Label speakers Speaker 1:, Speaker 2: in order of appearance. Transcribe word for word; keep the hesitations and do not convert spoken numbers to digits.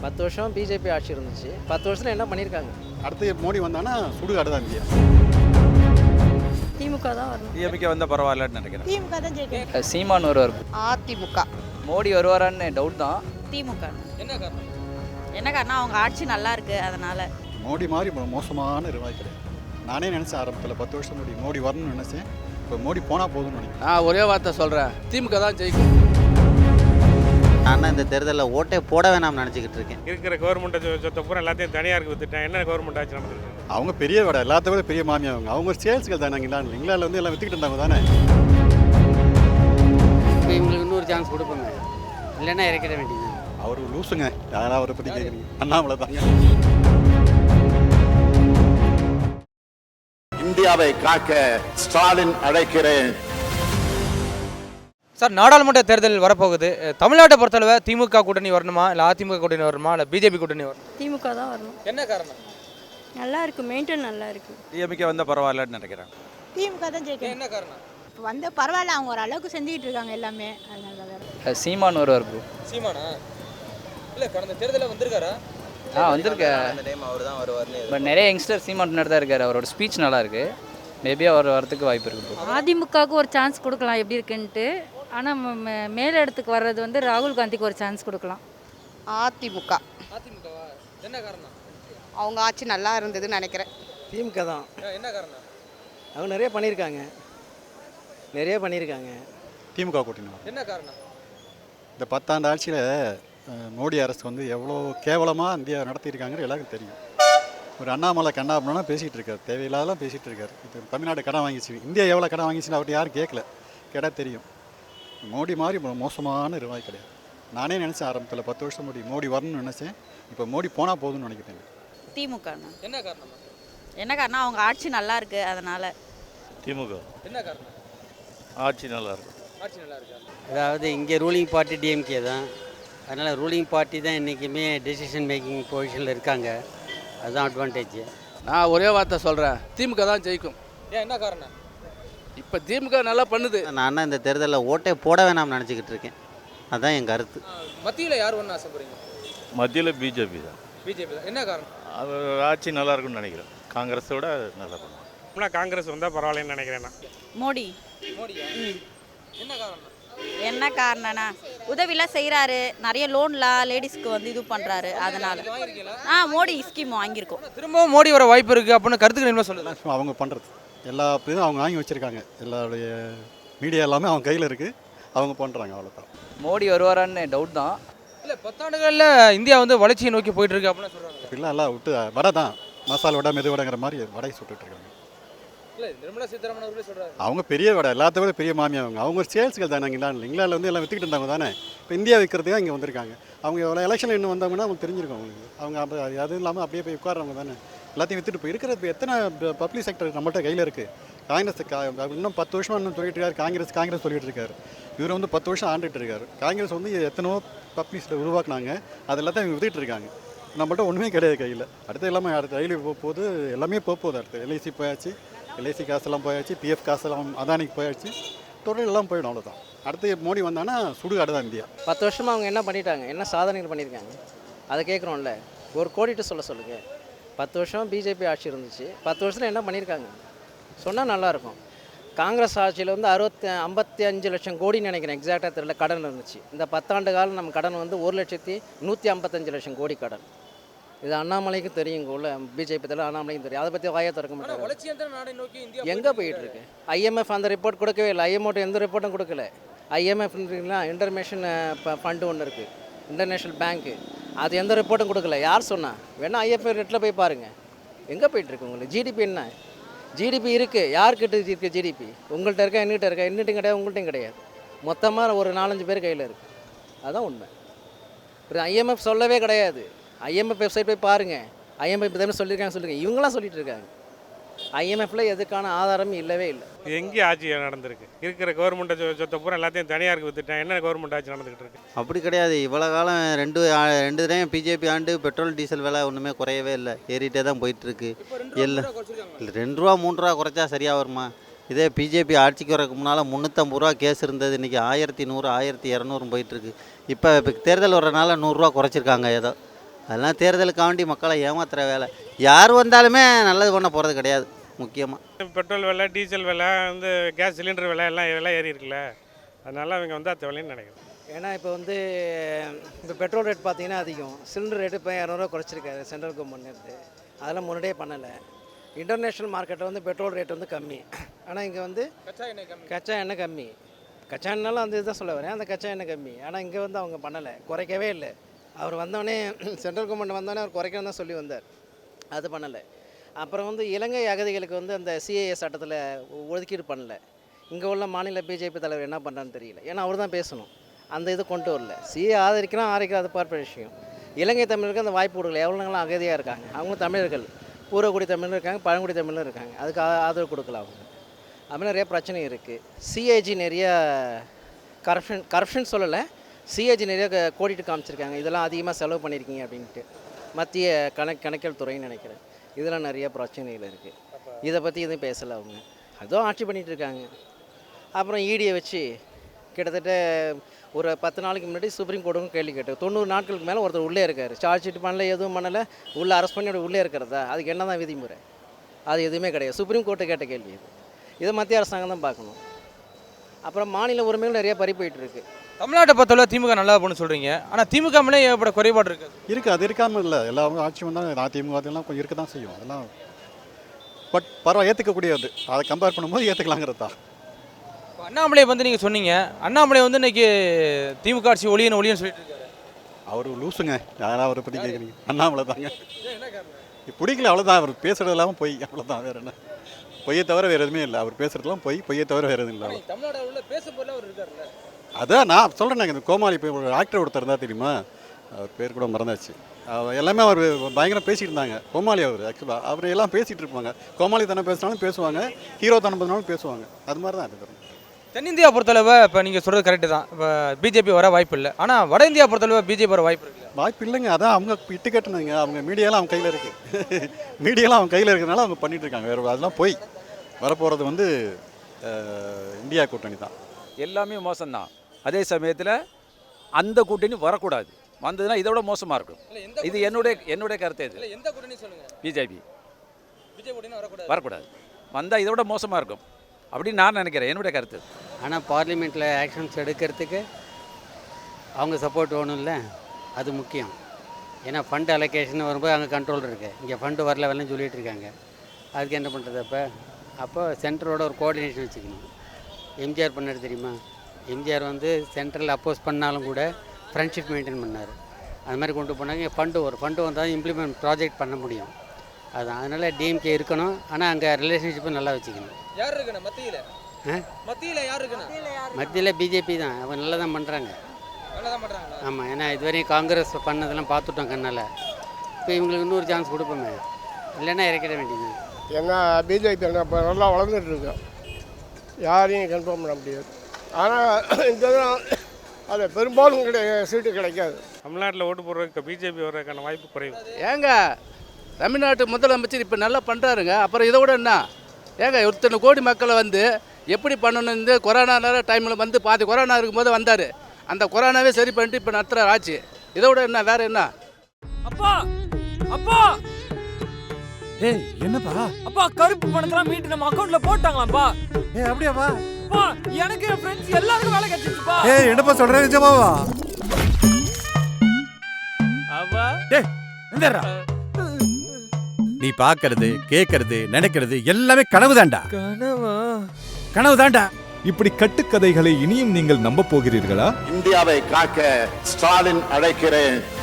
Speaker 1: பத்து வருஷம் பிஜேபி ஆட்சி இருந்துச்சு. பத்து வருஷத்தில் என்ன பண்ணியிருக்காங்க?
Speaker 2: அடுத்து மோடி வந்தானா சுடுகாடு தான் இந்தியா.
Speaker 3: திமுக தான் வரணும்.
Speaker 4: டிஎம்கே வந்தால் பரவாயில்லன்னு நினைக்கிறேன்.
Speaker 3: திமுக தான் ஜெயிக்கும்.
Speaker 5: சீமான் வருவார்.
Speaker 3: அதிமுக.
Speaker 5: மோடி வருவாரான்னு டவுட் தான்.
Speaker 6: திமுக.
Speaker 4: என்ன காரணம்?
Speaker 6: என்ன காரணம்? அவங்க ஆட்சி நல்லா இருக்கு அதனால.
Speaker 2: மோடி மாதிரி மோ- மோசமான நிர்வாகி கிடையாது. நானே நினச்சேன் ஆரம்பத்தில் பத்து வருஷம் மோடி மோடி வரணும்னு நினச்சேன். இப்போ மோடி போனால் போதும்னு நினைக்கிறேன்.
Speaker 1: நான் ஒரே வார்த்தை சொல்கிறேன், திமுக தான் ஜெயிக்கும்.
Speaker 7: நான் இந்த தேர்தலில் ஓட்டே போட வேணாம்னு நினச்சிக்கிட்டு இருக்கேன்.
Speaker 8: இருக்கிற கவர்மெண்ட்டை சொத்தை பூரா எல்லாத்தையும் தனியாருக்கு வித்துட்டேன். என்ன கவர்மெண்ட் ஆட்சி நடந்துருக்கு?
Speaker 2: அவங்க பெரிய விட எல்லாத்த விட பெரிய மாமியா அவங்க அவங்க ஒரு சேல்ஸ்கள் தானே. இங்கிலாந்து இங்கிலாந்தில் வந்து எல்லாம் வித்துக்கிட்டு இருந்தாங்க தானே.
Speaker 9: இப்போ இவங்களுக்கு இன்னொரு சான்ஸ் கொடுப்போங்க, இல்லைன்னா இறக்கிட வேண்டியது.
Speaker 2: அவர் லூசுங்க. யாராவது அவரை பற்றி கேட்குறீங்க? அண்ணாமலை தாங்க.
Speaker 10: இந்தியாவை காக்க ஸ்டாலின் அழைக்கிறேன்.
Speaker 11: சார், நாடாளுமன்ற தேர்தல் வரப்போகுது. தமிழ்நாட்டை பொறுத்தளவு திமுக கூட்டணி வரணுமா, இல்லை அதிமுக கூட்டணி வரணுமா, இல்லை பிஜேபி கூட்டணி வரணும்?
Speaker 3: திமுக தான் வரணும்.
Speaker 11: என்ன காரணம்?
Speaker 3: நல்லா இருக்கு, மெயின்டைன் நல்லா இருக்கு.
Speaker 4: டிஎம்கே வந்தால் பரவாயில்லன்னு நினைக்கிறேன்.
Speaker 6: திமுக தான் ஜெயிக்கும்.
Speaker 11: என்ன காரணம்?
Speaker 6: இப்போ வந்து பரவாயில்ல, அவங்க ஒரு அளவுக்கு செஞ்சுக்கிட்டு இருக்காங்க எல்லாமே. அதனால தான்.
Speaker 5: சீமான் வருவார் ப்ரோ.
Speaker 11: சீமானா? இல்லை, கடந்த தேர்தலில் வந்திருக்காரா?
Speaker 5: ஆ வந்திருக்க.
Speaker 7: அந்த டைம் அவர் தான் வருவார்னு.
Speaker 5: பட் நிறைய யங்ஸ்டர் சீமான் பின்னாடி தான் இருக்காரு. அவரோட ஸ்பீச் நல்லா இருக்கு. மேபி அவர் வரதுக்கு வாய்ப்பு இருக்கு ப்ரோ.
Speaker 3: அதிமுகவுக்கு ஒரு சான்ஸ் கொடுக்கலாம் எப்படி இருக்குன்ட்டு. ஆனால் மேல இடத்துக்கு வர்றது வந்து ராகுல் காந்திக்கு ஒரு சான்ஸ் கொடுக்கலாம்.
Speaker 6: அதிமுக.
Speaker 11: அதிமுகவா? என்ன காரணம்?
Speaker 6: அவங்க ஆட்சி நல்லா இருந்ததுன்னு நினைக்கிறேன்.
Speaker 1: திமுக தான்.
Speaker 11: என்ன காரணம்?
Speaker 1: அவங்க நிறைய பண்ணியிருக்காங்க, நிறைய பண்ணியிருக்காங்க.
Speaker 2: திமுக கூட்டணி வரும்.
Speaker 11: என்ன காரணம்?
Speaker 2: இந்த பத்தாண்டு ஆட்சியில் மோடி அரசு வந்து எவ்வளோ கேவலமாக இந்தியா நடத்தியிருக்காங்கன்னு எல்லாருக்கும் தெரியும். ஒரு அண்ணாமலை கண்ணாபுரம்னா பேசிகிட்டு இருக்காரு, தேவையில்லாதெல்லாம் பேசிகிட்டு இருக்காரு. இப்போ தமிழ்நாடு கடன் வாங்கிச்சு, இந்தியா எவ்வளோ கடன் வாங்கிச்சுன்னு அவர்கிட்ட யாரும் கேட்கல. கேட்டால் தெரியும். மோடி மாதிரி மோ- மோசமான நிர்வாகி கிடையாது. நானே நினச்சேன் ஆரம்பத்தில் பத்து வருஷம் மோடி மோடி வரணும்னு நினச்சேன். இப்போ மோடி போனால் போதும்னு நினைக்கிறேன்.
Speaker 6: திமுக.
Speaker 11: என்ன காரணம்?
Speaker 6: என்ன காரணம்? அவங்க ஆட்சி நல்லா இருக்கு அதனால.
Speaker 4: திமுக.
Speaker 11: என்ன காரணம்?
Speaker 4: ஆட்சி நல்லா இருக்கும்.
Speaker 11: ஆட்சி நல்லா இருக்கா?
Speaker 9: அதாவது இங்கே ரூலிங் பார்ட்டி டிஎம்கே தான். அதனால் ரூலிங் பார்ட்டி தான் என்றைக்குமே டெசிஷன் மேக்கிங் பொசிஷனில் இருக்காங்க. அதுதான் அட்வான்டேஜ்.
Speaker 1: நான் ஒரே வார்த்தை சொல்கிறேன், திமுக தான் ஜெயிக்கும்.
Speaker 11: ஏன், என்ன காரணம்?
Speaker 1: இப்போ திமுக நல்லா பண்ணுது.
Speaker 7: நான் இந்த தேர்தலில் ஓட்டே போட வேணாம்னு நினச்சிக்கிட்டு இருக்கேன். அதுதான் என் கருத்து.
Speaker 11: மத்தியில் யார் ஒன்று ஆசைப்படுறீங்க?
Speaker 4: மத்தியில் பிஜேபி தான்.
Speaker 11: பிஜேபி தான். என்ன காரணம்?
Speaker 4: அது ஆட்சி நல்லா இருக்கும்னு நினைக்கிறேன். காங்கிரஸோட நல்லா இருக்கும்.
Speaker 8: ஆனால் காங்கிரஸ் வந்தால் பரவாயில்லன்னு நினைக்கிறேன் நான்.
Speaker 6: மோடி.
Speaker 11: மோடியா? என்ன காரணம்?
Speaker 6: என்ன காரணம்னா உதவிலாம் செய்கிறாரு, நிறைய லோன்லாம் லேடிஸ்க்கு வந்து இது பண்ணுறாரு. அதனால ஆ மோடி ஸ்கீம் வாங்கியிருக்கோம்.
Speaker 11: திரும்பவும் மோடி வர வாய்ப்பு இருக்குது அப்படின்னு கருத்துக்கு என்ன சொல்லுங்கள்?
Speaker 2: எல்லாம் அவங்க பண்ணுறது எல்லா இதுவும் அவங்க வாங்கி வச்சுருக்காங்க. எல்லாருடைய மீடியா எல்லாமே அவங்க கையில் இருக்குது. அவங்க பண்ணுறாங்க, அவ்வளோதான்.
Speaker 5: மோடி வருவாரான்னு டவுட் தான்.
Speaker 11: இல்லை, பத்தாண்டுகளில் இந்தியா வந்து வளர்ச்சியை நோக்கி போயிட்டு இருக்கு அப்படின்னு சொல்கிறாங்க.
Speaker 2: இப்படிலாம் எல்லாம் விட்டு வடை தான், மசால் வடை மெது வடைங்கிற மாதிரி வடை சுட்டுட்டு இருக்காங்க.
Speaker 11: இல்லை, நிர்மலா சீதாராமன் அவர்களே சொல்கிறாரு.
Speaker 2: அவங்க பெரிய விட எல்லாத்த விட பெரிய மாமியா அவங்க அவங்க ஒரு சேல்ஸ்கள் தானே. இங்கிலாந்து இங்கிலாந்தில் வந்து எல்லாம் வித்துக்கிட்டு இருந்தாங்க தானே. இப்போ இந்தியா விற்கிறதுக்காக இங்கே வந்திருக்காங்க. அவங்க எவ்வளோ எலெக்ஷன் இன்னும் வந்தாங்கன்னா அவங்க தெரிஞ்சிருக்கும் அவங்களுக்கு. அவங்க அப்போ அதுவும் இல்லாமல் அப்படியே போய் உட்காரவங்க தானே. எல்லாத்தையும் வித்துட்டு போய் இருக்கிற இப்போ எத்தனை பப்ளிக் செக்டர் நம்மள்ட்ட கையில் இருக்குது. காங்கிரஸ் கா இன்னும் பத்து வருஷமாக இன்னும் சொல்லிட்டு இருக்காரு. காங்கிரஸ் காங்கிரஸ் சொல்லிட்டு இருக்காரு. இவர் வந்து பத்து வருஷம் ஆண்டுட்டு இருக்காரு. காங்கிரஸ் வந்து எத்தனோ பப்ளிக் செக்டர் உருவாக்குனாங்க. அது எல்லாத்தையும் இவங்க வித்துட்டு இருக்காங்க. நம்மள்ட்ட ஒன்றுமே கிடையாது கையில். அடுத்து எல்லாமே அடுத்த ரயில்வே போக போகுது, எல்லாமே போக போகுது. அடுத்து எல்ஐசி போயாச்சு, எல்ஐசி காசெல்லாம் போயாச்சு, பிஎஃப் காசெல்லாம் அதானிக்கு போயாச்சு, தொழில் எல்லாம் போயிடும். அவ்வளோதான். அடுத்து மோடி வந்தானா சுடுகாடு தான் இந்தியா.
Speaker 1: பத்து வருஷமாக அவங்க என்ன பண்ணிட்டாங்க, என்ன சாதனைகள் பண்ணியிருக்காங்க, அதை கேட்குறோம்ல. ஒரு கோடிட்டு சொல்ல சொல்லுங்கள். பத்து வருஷம் பிஜேபி ஆட்சி இருந்துச்சு. பத்து வருஷத்தில் என்ன பண்ணியிருக்காங்க சொன்னால் நல்லாயிருக்கும். காங்கிரஸ் ஆட்சியில் வந்து அறுபத்தி ஐம்பத்தி அஞ்சு லட்சம் கோடின்னு நினைக்கிறேன், எக்ஸாக்டாக தெரியல, கடன் இருந்துச்சு. இந்த பத்தாண்டு காலம் நம்ம கடன் வந்து ஒரு லட்சத்தி நூற்றி ஐம்பத்தஞ்சு லட்சம் கோடி கடன். இது அண்ணாமலைக்கும் தெரியும், இங்கே உள்ள பிஜேபி தலைவர் அண்ணாமலைக்கும் தெரியும். அதை பற்றி வாயை திறக்க மாட்டாங்க.
Speaker 11: வளர்ச்சியந்திர நாடை நோக்கி இந்தியா
Speaker 1: எங்கே போயிட்டு இருக்கு? ஐஎம்எஃப் அந்த ரிப்போர்ட் கொடுக்கவே இல்லை. ஐஎம்ஓட்ட எந்த ரிப்போர்ட்டும் கொடுக்கல. ஐஎம்எஃப் இன்டர்நேஷனல் ஃபண்டு ஒன்று இருக்குது, இன்டர்நேஷ்னல் பேங்க்கு, அது எந்த ரிப்போர்ட்டும் கொடுக்கல. யார் சொன்னா? வேணால் ஐஎஃப்ஐ ரேட்டில் போய் பாருங்கள். எங்கே போயிட்டுருக்கு உங்களுக்கு? ஜிடிபி என்ன? ஜிடிபி இருக்குது, யார்கிட்ட இருக்குது ஜிடிபி? உங்கள்கிட்ட இருக்கா, என்கிட்ட இருக்கா? என்னட்டும் கிடையாது, உங்கள்கிட்டையும் கிடையாது. மொத்தமாக ஒரு நாலஞ்சு பேர் கையில் இருக்குது. அதுதான் உண்மை. இப்போ ஐஎம்எஃப் சொல்லவே கிடையாது. ஐஎம்எஃப் வெப்சைட் போய் பாருங்கள். ஐஎம்எஃப் இப்போ தானே சொல்லியிருக்காங்க, சொல்லுங்கள். இவங்களாம் சொல்லிட்டு இருக்காங்க. ஐஎம்எஃப்ல எதுக்கான ஆதாரமும் இல்லவே இல்லை.
Speaker 8: எங்கே ஆட்சி நடந்திருக்கு? இருக்கிற கவர்மெண்ட்டை சொத்தை பூரா எல்லாத்தையும் தனியாருக்கு வித்துட்டேன். என்ன கவர்மெண்ட் ஆட்சி நடந்துகிட்டு இருக்கு?
Speaker 7: அப்படி கிடையாது. இவ்வளோ காலம் ரெண்டு ஆ- ரெண்டு டைம் பிஜேபி ஆண்டு பெட்ரோல் டீசல் விலை ஒன்றுமே குறையவே இல்லை, ஏறிட்டே தான் போயிட்டுருக்கு. எல்லாம் இல்லை, ரெண்டு ரூபா மூணு ரூபா குறைச்சா சரியாக வருமா? இதே பிஜேபி ஆட்சிக்கு வரக்கு முன்னால் முந்நூற்றம்பது ரூபா கேஸ் இருந்தது, இன்றைக்கி ஆயிரத்தி நூறு ஆயிரத்தி இரநூறு போயிட்டுருக்கு. இப்போ இப்போ தேர்தல் வரனால நூறுரூவா குறைச்சிருக்காங்க ஏதோ. அதெல்லாம் தேர்தலுக்காண்டி மக்களை ஏமாத்துற வேலை. யார் வந்தாலுமே நல்லது பண்ண போகிறது கிடையாது. முக்கியமாக
Speaker 8: பெட்ரோல் விலை, டீசல் விலை, வந்து கேஸ் சிலிண்டர் விலை எல்லாம் விலை ஏறி இருக்குல்ல, அதனால அவங்க வந்து அது விலைன்னு நினைக்கிறேன்.
Speaker 1: ஏன்னா இப்போ வந்து இப்போ பெட்ரோல் ரேட் பார்த்தீங்கன்னா அதிகம், சிலிண்டர் ரேட்டு இப்போ இரநூறுவா குறைச்சிருக்காரு சென்ட்ரல் கவர்மெண்ட் இருந்து. அதெல்லாம் முன்னாடியே பண்ணலை. இன்டர்நேஷ்னல் மார்க்கெட்டில் வந்து பெட்ரோல் ரேட் வந்து கம்மி, ஆனால் இங்கே வந்து கச்சா எண்ணெய் கம்மி. கச்சா எண்ணெய்லாம் அந்த இதுதான் சொல்ல வரேன், அந்த கச்சா எண்ணெய் கம்மி. ஆனால் இங்கே வந்து அவங்க பண்ணலை, குறைக்கவே இல்லை. அவர் வந்தோடனே சென்ட்ரல் கவர்மெண்ட் வந்தோடனே அவர் குறைக்கணும் தான் சொல்லி வந்தார், அது பண்ணலை. அப்புறம் வந்து இலங்கை அகதிகளுக்கு வந்து அந்த சிஏஏ சட்டத்தில் ஒதுக்கீடு பண்ணலை. இங்கே உள்ள மாநில பிஜேபி தலைவர் என்ன பண்ணுறான்னு தெரியல, ஏன்னா அவர் தான் பேசணும். அந்த இது கொண்டு வரல. சிஏ ஆதரிக்கலாம் ஆதரிக்கலாம் அது பார்ப்ப விஷயம். இலங்கை தமிழருக்கு அந்த வாய்ப்பு கொடுக்கல. எவ்வளோங்களாம் அகதியாக இருக்காங்க, அவங்களும் தமிழர்கள், பூர்வக்குடி தமிழரும் இருக்காங்க, பழங்குடி தமிழரும் இருக்காங்க. அதுக்கு ஆதரவு கொடுக்கல அவங்க. அது நிறைய பிரச்சனை இருக்குது. சிஏஜி நிறைய கரப்ஷன் கரப்ஷன் சொல்லலை, சிஏஜி நிறைய கோடிட்டு காமிச்சிருக்காங்க, இதெல்லாம் அதிகமாக செலவு பண்ணியிருக்கீங்க அப்படின்ட்டு. மத்திய கணக் கணக்கியல் துறைன்னு நினைக்கிறேன். இதெல்லாம் நிறைய பிரச்சனைகள் இருக்குது. இதை பற்றி எதுவும் பேசலை அவங்க, அதுவும் ஆட்சி பண்ணிகிட்டு இருக்காங்க. அப்புறம் ஈடியை வச்சு கிட்டத்தட்ட ஒரு பத்து நாளைக்கு முன்னாடி சுப்ரீம் கோர்ட்டுக்கும் கேள்வி கேட்டு தொண்ணூறு நாட்களுக்கு மேலே ஒருத்தர் உள்ளே இருக்கார், சார்ஜ் ஷீட் பண்ணல, எதுவும் பண்ணலை, உள்ளே அரெஸ்ட் பண்ணி உள்ளே இருக்கிறதா, அதுக்கு என்ன தான் விதிமுறை? அது எதுவுமே கிடையாது. சுப்ரீம் கோர்ட்டு கேட்ட கேள்வி இது. இதை மத்திய அரசாங்கம் தான் பார்க்கணும். அப்புறம் மாநில உரிமைகள் நிறைய பறி போயிட்டு இருக்கு.
Speaker 11: தமிழ்நாட்டை பொறுத்தவரை திமுக நல்லா போகணும்னு சொல்கிறீங்க, ஆனால் திமுக மேலே ஏற்பட குறைபாடு இருக்குது.
Speaker 2: இருக்குது, அது இருக்காமல் இல்லை. எல்லாரும் ஆட்சி வந்தால் அதிமுக அதெல்லாம் கொஞ்சம் இருக்க தான் செய்யும். அதெல்லாம் பட் பரவாயில்ல, ஏற்றுக்கக்கூடியது. அதை கம்பேர் பண்ணும்போது ஏற்றுக்கலாங்கிறது தான்.
Speaker 11: அண்ணாமலை வந்து நீங்கள் சொன்னீங்க, அண்ணாமலை வந்து இன்னைக்கு திமுக ஆட்சி ஒளியன்னு ஒளியன்னு சொல்லிட்டு இருக்காரு.
Speaker 2: அவர் லூசுங்க, யாராவது அவரை பற்றி கேட்குறீங்க? அண்ணாமலை தாங்க பிடிக்கல, அவ்வளோதான். அவர் பேசுகிறது இல்லாமல் பொய், அவ்வளோதான். வேறு என்ன? பொய்யை தவிர வேறு எதுவுமே இல்லை. அவர் பேசுகிறதுலாம் பொய், பொய்யை தவிர வேறு எதுவும் இல்லை. அதான் நான் சொல்கிறேன், இந்த கோமாளி இப்போ ஒரு ஆக்டர் ஒருத்தர் இருந்தால் தெரியுமா, அவர் பேர் கூட மறந்தாச்சு. அவர் எல்லாமே அவர் பயங்கரம் பேசிகிட்டு இருந்தாங்க. கோமாளி அவர் ஆக்சுவலாக அவர் எல்லாம் பேசிகிட்டு இருப்பாங்க. கோமாளி தானே பேசினாலும் பேசுவாங்க, ஹீரோ தானே பேசினாலும் பேசுவாங்க. அது மாதிரி தான் இது.
Speaker 11: தென்னிந்தியா பொறுத்தளவு இப்போ நீங்கள் சொல்கிறது கரெக்டு தான். இப்போ பிஜேபி வர வாய்ப்பு இல்லை, ஆனால் வட இந்தியா பொறுத்தளவு பிஜேபி வர வாய்ப்பு இருக்குது.
Speaker 2: வாய்ப்பு இல்லைங்க, அதான் அவங்க இட்டு கட்டுனாங்க. அவங்க மீடியாலாம் அவங்க கையில் இருக்குது, மீடியாலாம் அவங்க கையில் இருக்கிறதுனால அவங்க பண்ணிகிட்டு இருக்காங்க. வேறு அதெல்லாம் போய் வரப்போகிறது வந்து இந்தியா கூட்டணி தான்.
Speaker 12: எல்லாமே மோசம்தான். அதே சமயத்தில் அந்த கூட்டணி வரக்கூடாது, வந்ததுன்னா இதை விட மோசமாக இருக்கும். இது என்னுடைய என்னுடைய கருத்து. இது
Speaker 11: எந்த கூட்டணி சொல்லுங்கள்?
Speaker 12: பிஜேபி
Speaker 11: பிஜேபி வரக்கூடாது
Speaker 12: வரக்கூடாது, வந்தால் இதை விட மோசமாக இருக்கும் அப்படின்னு நான் நினைக்கிறேன், என்னுடைய கருத்து.
Speaker 9: ஆனால் பார்லிமெண்ட்டில் ஆக்ஷன்ஸ் எடுக்கிறதுக்கு அவங்க சப்போர்ட் வேணும் இல்லை, அது முக்கியம். ஏன்னா ஃபண்ட் அலோகேஷன் வரும்போது அங்கே கண்ட்ரோல் இருக்குது, இங்கே ஃபண்டு வரல வரலன்னு சொல்லிகிட்டு இருக்காங்க. அதுக்கு என்ன பண்ணுறது? அப்போ அப்போ சென்டரோட ஒரு கோஆர்டினேஷன் வச்சுக்கணும். எம்ஜிஆர் பண்ணார் தெரியுமா? எம்ஜிஆர் வந்து சென்ட்ரல் அப்போஸ் பண்ணாலும் கூட ஃப்ரெண்ட்ஷிப் மெயின்டைன் பண்ணார். அது மாதிரி கொண்டு போனாங்க. ஃபண்டு ஒரு ஃபண்டு வந்தால் இம்ப்ளிமெண்ட் ப்ராஜெக்ட் பண்ண முடியும். அதுதான், அதனால் டிஎம்கே இருக்கணும், ஆனால் அங்கே ரிலேஷன்ஷிப்பை நல்லா வச்சுக்கணும்.
Speaker 11: யார் இருக்குண்ணா மத்தியில்? மத்தியில் யார் இருக்குண்ணா?
Speaker 9: மத்தியில் பிஜேபி தான், அவங்க நல்லா தான் பண்ணுறாங்க.
Speaker 11: நல்லா தான் பண்ணுறாங்களா?
Speaker 9: ஆமாம், ஏன்னா இதுவரையும் காங்கிரஸ் பண்ணதெல்லாம் பார்த்துட்டோம் கண்ணால். இப்போ இவங்களுக்கு இன்னொரு சான்ஸ் கொடுப்போமே, இல்லைன்னா இறக்கிட வேண்டியது.
Speaker 13: ஏன்னா பிஜேபி இப்போ நல்லா வளர்ந்துட்டு இருக்கு, யாரையும் கன்ஃபார்ம் பண்ண முடியாது. ஆனால் இந்த அது பெரும்பாலும் கிடை சீட்டு கிடைக்காது.
Speaker 8: தமிழ்நாட்டில் ஓட்டு போடுறதுக்கு பிஜேபி வர்றதுக்கான வாய்ப்பு குறைவு.
Speaker 14: ஏங்க தமிழ்நாட்டு முதலமைச்சர் இப்போ நல்லா பண்ணுறாருங்க, அப்புறம் இதை விட என்ன ஏங்க? இத்தனை கோடி மக்களை வந்து எப்படி பண்ணணுன்னு கொரோனா டைமில் வந்து பாதி கொரோனா இருக்கும்போது வந்தார், அந்த கொரோனாவே சரி பண்ணிட்டு இப்போ நடத்துகிற ஆட்சி. இதை விட என்ன வேற என்ன?
Speaker 15: அப்பா அப்பா
Speaker 16: ஏய் என்னப்பா?
Speaker 15: அப்பா கருப்பு பணத்தெல்லாம் மீட்டு நம்ம அக்கவுண்ட்ல போட்டாங்களாப்பா.
Speaker 16: ஏய் அப்படியாப்பா?
Speaker 15: அப்பா எனக்கு என் ஃப்ரெண்ட்ஸ் எல்லாருக்கும் வேலை கிடைச்சிருச்சுப்பா.
Speaker 16: ஏய் என்னப்பா சொல்ற? நிஜமாவா?
Speaker 15: அப்பா
Speaker 16: டேய் எந்தடா? நீ பாக்குறது கேக்குறது நினைக்கிறது எல்லாமே கனவுதான்டா.
Speaker 15: கனவா?
Speaker 16: கனவுதான்டா. இப்படி கட்டுக்கதைகளை இனியும் நீங்கள் நம்ப போகிறீர்களா?
Speaker 10: இந்தியாவை காக்க ஸ்டாலின் அழைக்கிறேன்.